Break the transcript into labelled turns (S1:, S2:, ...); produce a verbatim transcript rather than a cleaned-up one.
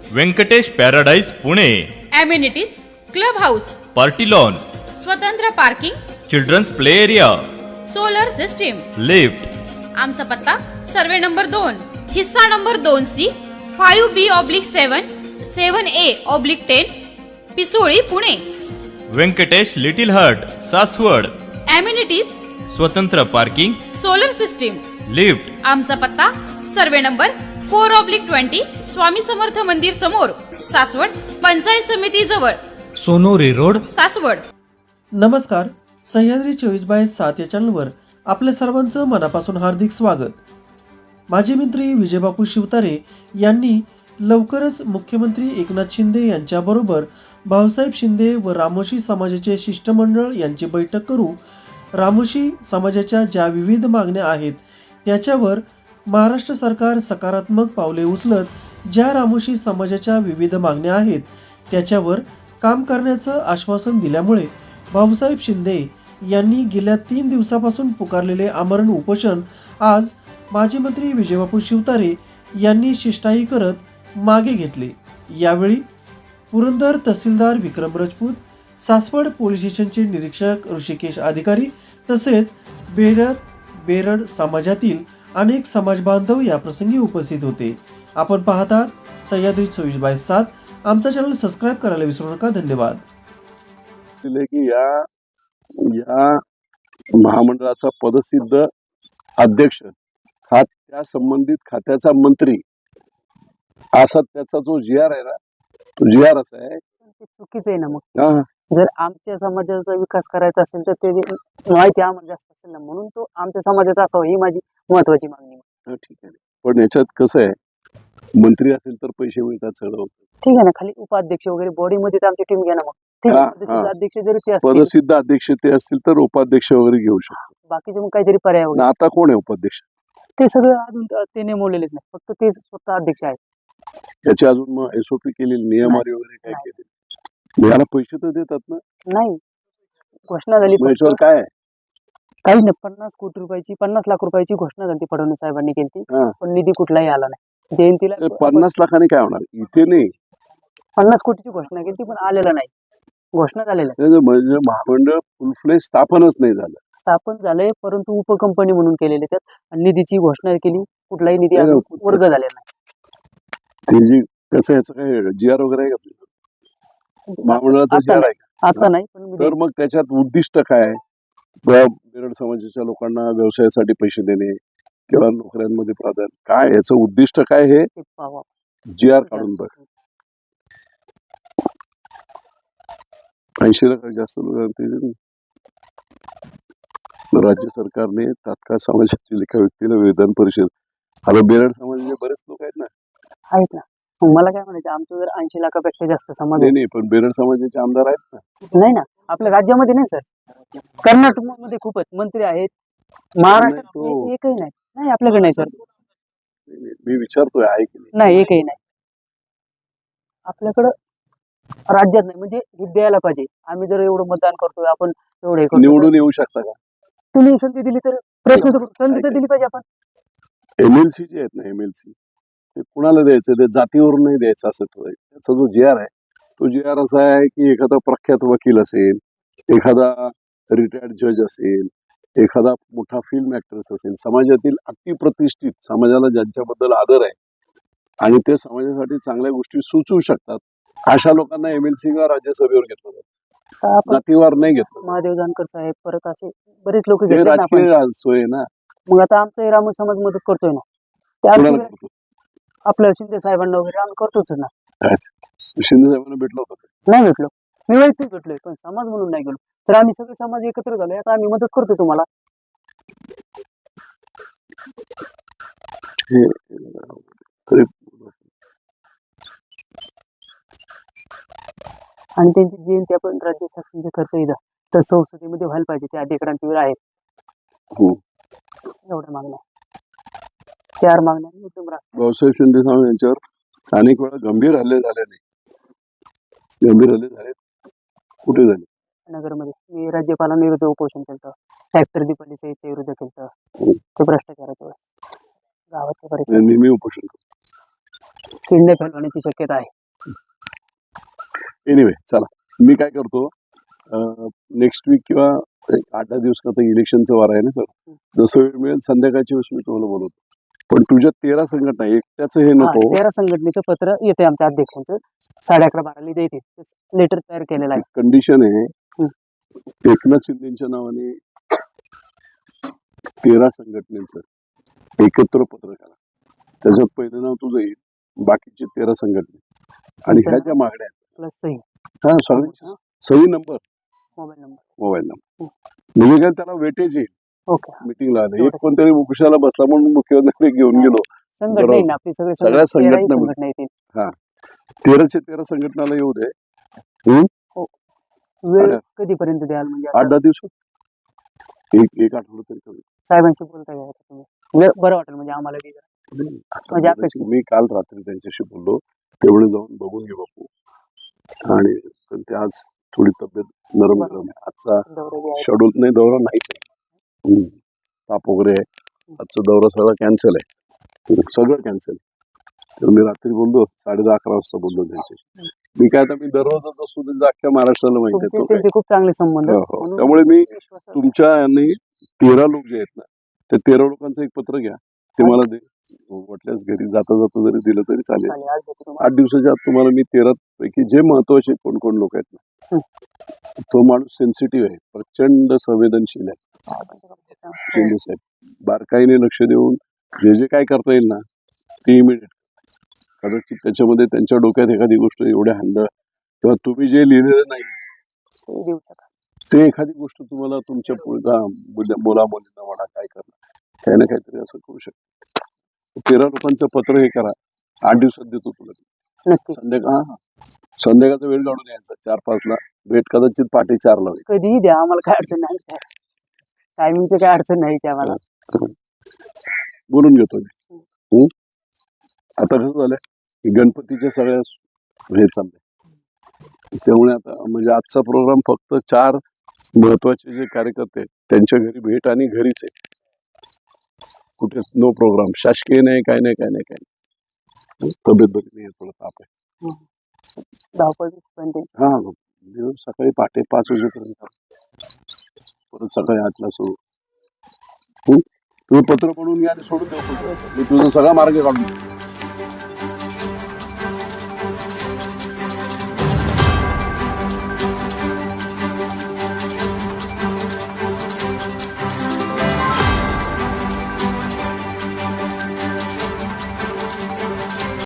S1: Venkatesh paradise Pune.
S2: Amenities, club house,
S1: party lawn,
S2: स्वतंत्र parking,
S1: children's play area,
S2: solar system.
S1: Lift.
S2: आमचा पत्ता survey number दोन, हिस्सा नंबर दोन C, five B oblique seven, seven A oblique ten, Pisoli, Pune.
S1: Venkatesh little heart, Saswad.
S2: Amenities,
S1: स्वतंत्र parking,
S2: solar system.
S1: Lift.
S2: आमचा पत्ता survey number four oblique twenty, Swami Samarth मंदिर समोर, सासवड, पंचायत समिती जवळ,
S3: सोनोरी रोड,
S2: सासवड.
S4: नमस्कार. सह्याद्री चोवीस बाय सात या चॅनलवर आपल्या सर्वांचं मनापासून हार्दिक स्वागत. माजी मंत्री विजयबापू शिवतारे यांनी लवकरच मुख्यमंत्री एकनाथ शिंदे यांच्याबरोबर भाऊसाहेब शिंदे व रामोशी समाजाचे शिष्टमंडळ यांची बैठक करू. रामोशी समाजाच्या ज्या विविध मागण्या आहेत त्याच्यावर महाराष्ट्र सरकार सकारात्मक पावले उचलत ज्या रामोशी समाजाच्या विविध मागण्या आहेत त्याच्यावर काम करण्याचं आश्वासन दिल्यामुळे भाऊसाहेब शिंदे यांनी गेल्या तीन दिवसापासून पुकारलेले आमरण उपोषण आज माजी मंत्री विजयबापू शिवतारे यांनी शिष्टाई करत मागे घेतले. यावेळी पुरंदर तहसीलदार विक्रम राजपूत, सासवड पोलीस स्टेशनचे निरीक्षक ऋषिकेश अधिकारी तसेच बेडर बेरड समाजातील अनेक समाज बांधव या प्रसंगी उपस्थित होते. आपण पाहतात सह्याद्री चोवीस बाय सात. आमचा चॅनल सबस्क्राईब करायला विसरू नका. धन्यवाद.
S5: की या या महामंडळाचा पदसिद्ध अध्यक्ष हा त्या संबंधित खात्याचा मंत्री असा त्याचा जो जी आर आहे ना तो जी आर असा आहे
S6: चुकीचं आहे ना. मग जर आमच्या समाजाचा विकास करायचा असेल तर ते माहिती आम्हाला जास्त असेल ना, म्हणून तो आमच्या समाजाचा असावा ही माझी महत्वाची मागणी.
S5: ठीक आहे, पण याच्यात कसं आहे मंत्री असेल तर पैसे मिळतात सगळं होतं.
S6: ठीक आहे ना, खाली उपाध्यक्ष वगैरे बॉडी मध्ये तर आमची टीम घ्या ना. मग ठीक आहे, पदसिद्ध अध्यक्ष जरी ते असतील,
S5: पदसिद्ध अध्यक्ष ते असतील तर उपाध्यक्ष वगैरे घेऊ शकतो.
S6: बाकीचे मग काहीतरी पर्याय वगैरे.
S5: आता कोण आहे उपाध्यक्ष?
S6: ते सगळं अजून ते नेमवलेलेच नाही, फक्त ते स्वतः अध्यक्ष आहेत.
S5: याचे अजून मग एसओपी केलेली नियमावली वगैरे काय केले? याला पैसे तर देतात ना?
S6: नाही, घोषणा झाली
S5: याच्यावर काय आहे?
S6: काहीच नाही. पन्नास कोटी रुपयाची पन्नास लाख रुपयाची घोषणा झाली फडणवीस साहेबांनी केली, पण निधी कुठलाही आला नाही. जयंतीला
S5: पन्नास लाखाने काय होणार? इथे नाही,
S6: पन्नास कोटीची घोषणा केली पण आलेला नाही. घोषणा झालेला
S5: म्हणजे महामंडळ फुल फ्लेज स्थापनच नाही झालं.
S6: स्थापन झालंय परंतु उपकंपनी म्हणून केलेले त्यात, आणि निधीची घोषणा केली, कुठलाही निधी वर्ग झालेला नाही.
S5: ते जी कसं याचं काय जी आर वगैरे आहे का महामंडळाचा जी आर आहे का?
S6: आता नाही, पण
S5: तर मग त्याच्यात उद्दिष्ट काय? बेरड समाजाच्या लोकांना व्यवसायासाठी पैसे देणे किंवा नोकऱ्यांमध्ये प्राधान्य काय, याचं उद्दिष्ट काय हे जी आर काढून बघ. ऐंशी लाख जास्त लोकांना राज्य सरकारने तात्काळ समाजातील एका व्यक्तीला विधान परिषद, आता बेरड समाजाचे बरेच लोक आहेत ना
S6: आहेत ना. मला काय म्हणायचं, आमचं जर ऐंशी लाखापेक्षा जास्त समाज
S5: नाही, पण बेरड समाजाचे आमदार आहेत ना?
S6: नाही ना, आपल्या राज्यामध्ये नाही सर. कर्नाटक मध्ये खूपच मंत्री आहेत, महाराष्ट्रात एकही नाही. नाही आपल्याकडे नाही सर.
S5: मी विचारतोय आहे की
S6: नाही? एकही नाही आपल्याकडं राज्यात नाही. म्हणजे द्यायला पाहिजे. आम्ही जर एवढं मतदान करतोय, आपण एवढे
S5: निवडून येऊ शकता का?
S6: तुम्ही संधी दिली तर प्रयत्न करू. संधी तर दिली पाहिजे आपण.
S5: एमएलसी जे आहेत ना, एमएलसी ते कुणाला द्यायचं? ते जातीवरून नाही द्यायचं असं थोडं. त्याचा जो जी आर आहे तो जी आर असा आहे की एखादा प्रख्यात वकील असेल, एखादा रिटायर्ड जज असेल, एखादा मोठा फिल्म ऍक्ट्रेस असेल, समाजातील अतिप्रतिष्ठित, समाजाला ज्यांच्याबद्दल आदर आहे आणि ते समाजासाठी चांगल्या गोष्टी सुचवू शकतात, अशा लोकांना एमएलसी किंवा राज्यसभेवर घेतलं जातं. जातीवार नाही घेतलं.
S6: महादेव जानकर साहेब, परत असे बरेच लोक
S5: राजकीय सोय ना.
S6: मग आता आमचा राम समाज मदत करतोय ना, त्या आपल्या शिंदे साहेबांना वगैरे आम्ही करतोच ना.
S5: शिंदे साहेबांना भेटलो होतो?
S6: नाही भेटलो, मी वैयक्तिक भेटलोय, पण समाज म्हणून नाही गेलो. तर आम्ही सगळे समाज एकत्र झालोय, आता आम्ही मदत करतो तुम्हाला. आणि त्यांची जयंती आपण राज्य शासन जे करतोय तर संसदेमध्ये व्हायला पाहिजे. ते अधिकारांची आहेत. एवढ्या मागण्या, चार मागण्या.
S5: भाऊसाहेब शिंदे साहेब यांच्यावर अनेक वेळा गंभीर हल्ले झाले नाही. गंभीर हल्ले झाले कुठे झाले?
S6: नगरमध्ये. मी राज्यपालांविरुद्ध उपोषण केलं, ट्रॅक्टर दीपालीच्या विरुद्ध केलं, ते भ्रष्टाचाराच्या वेळेस गावाच्या बरेच
S5: नेहमी उपोषण
S6: किडनॅप होण्याची शक्यता आहे.
S5: एनिवे चला मी काय करतो नेक्स्ट वीक किंवा एक आठ दहा दिवस आता इलेक्शनचं वार आहे ना सर, जसं वेळ मिळेल संध्याकाळच्या वेळेस मी तुम्हाला बोलवतो. पण तुझ्या तेरा संघटना एकट्याचं हे
S6: हा,
S5: नको.
S6: तेरा संघटनेचं पत्र येते आमच्या अध्यक्षांचं साडे अकरा बाराला येते लेटर तयार केलेलं आहे.
S5: कंडिशन आहे एकनाथ शिंदेच्या नावाने तेरा संघटनेचं एकत्र पत्र करा. त्याच्यात पहिलं नाव तुझं येईल, बाकीचे तेरा संघटने आणि ह्या ज्या मागण्या आहेत
S6: प्लस सही
S5: हा सगळ्यांची सही number
S6: mobile number.
S5: Mobile number म्हणजे काय त्याला वेटेज येईल.
S6: ओके.
S5: मिटिंगला आले एक कोणतरी कुशाला बसला म्हणून मुख्यमंत्री घेऊन गेलो.
S6: संघटना येईल ना आपली सगळी
S5: सगळ्या
S6: संघटना तेराही
S5: संघटना
S6: संघटना येतील.
S5: तेराचे तेरा संघटनाला येऊ दे.
S6: वेळ कधीपर्यंत द्याल म्हणजे
S5: आठ दहा दिवस एक एक आठवडा तरी कमी.
S6: साहेबांशी बोलता येईल का तुम्ही? म्हणजे बरं वाटेल म्हणजे आम्हाला बी जरा. म्हणजे अपेक्षित.
S5: मी काल रात्री त्यांच्याशी बोललो, तेवढे जाऊन बघून घे बापू. आणि पण ते आज थोडी तब्येत नरम गरम आहे. आजचा
S6: दौरे बी आहेत.
S5: शेड्यूल नाही दौरा नाहीच आहे. हम्म. ताप वगैरे आहे. आजचा दौरा सगळा कॅन्सल आहे, सगळं कॅन्सल. तर मी रात्री बोललो साडे दहा अकरा वाजता बोललो त्यांच्याशी. मी काय आता मी दररोज असतो त्यांचा अख्ख्या महाराष्ट्राला माहिती
S6: तुमचे
S5: आहे.
S6: त्यांचे खूप चांगले संबंध.
S5: हो, हो.
S6: म्हणून
S5: त्यामुळे मी
S6: विश्वासात-
S5: तुमच्या यांनी तेरा लोक जे आहेत ना, त्या तेरा लोकांचं एक पत्र घ्या, ते मला दे. वाटल्यास घरी जाता जाता जरी दिलं तरी चालेल.
S6: चालेल, आज देतो तुम्हाला.
S5: आठ दिवसाच्या आत तुम्हाला मी तेरा पैकी जे महत्वाचे कोण कोण लोक आहेत ना, तो माणूस सेन्सिटिव्ह आहे, प्रचंड संवेदनशील आहे. शिंदे साहेब बारकाईने लक्ष देऊन जे जे काय करता येईल ना ते इमिडिएट. कदाचित त्याच्यामध्ये त्यांच्या डोक्यात एखादी गोष्ट एवढ्या हंड किंवा तुम्ही जे लिहिलेलं नाही
S6: ते देऊ शकाल.
S5: ते एखादी गोष्ट तुम्हाला तुमच्या पुढचा मुला मुलींना म्हणा काय करणार काही ना काहीतरी असं करू शकतो. तेरा लोकांचं पत्र हे करा, आठ दिवसात देतो तुला.
S6: नक्की
S5: संध्याकाळ हा संध्याकाळचा वेळ काढून यायचा चार पाचला भेट, कदाचित पहाटे चारला होईल.
S6: कधीही द्या, आम्हाला काय अडचण नाही. टायमिंगची काय अडचण नाही इथे आम्हाला.
S5: बोलून घेतो मी. हम्म? आता कसं झालंय की गणपतीच्या सगळ्या हे चाललंय, त्यामुळे आता म्हणजे आजचा प्रोग्राम फक्त चार महत्वाचे जे कार्यकर्ते आहेत त्यांच्या घरी भेट आणि घरीच आहे. कुठेच नो प्रोग्राम, शासकीय नाही काय नाही काय नाही काय नाही. तब्येत बरी नाही, थोडं ताप आहे.
S6: धावपळ पण ते
S5: हा दिवस सकाळी पहाटे पाच वाजेपर्यंत, परत सकाळी आठला सुरू. हम्म? तुम्ही पत्र पडून घ्या आणि सोडून देऊ. मी तुझा सगळा मार्ग काढून देतो.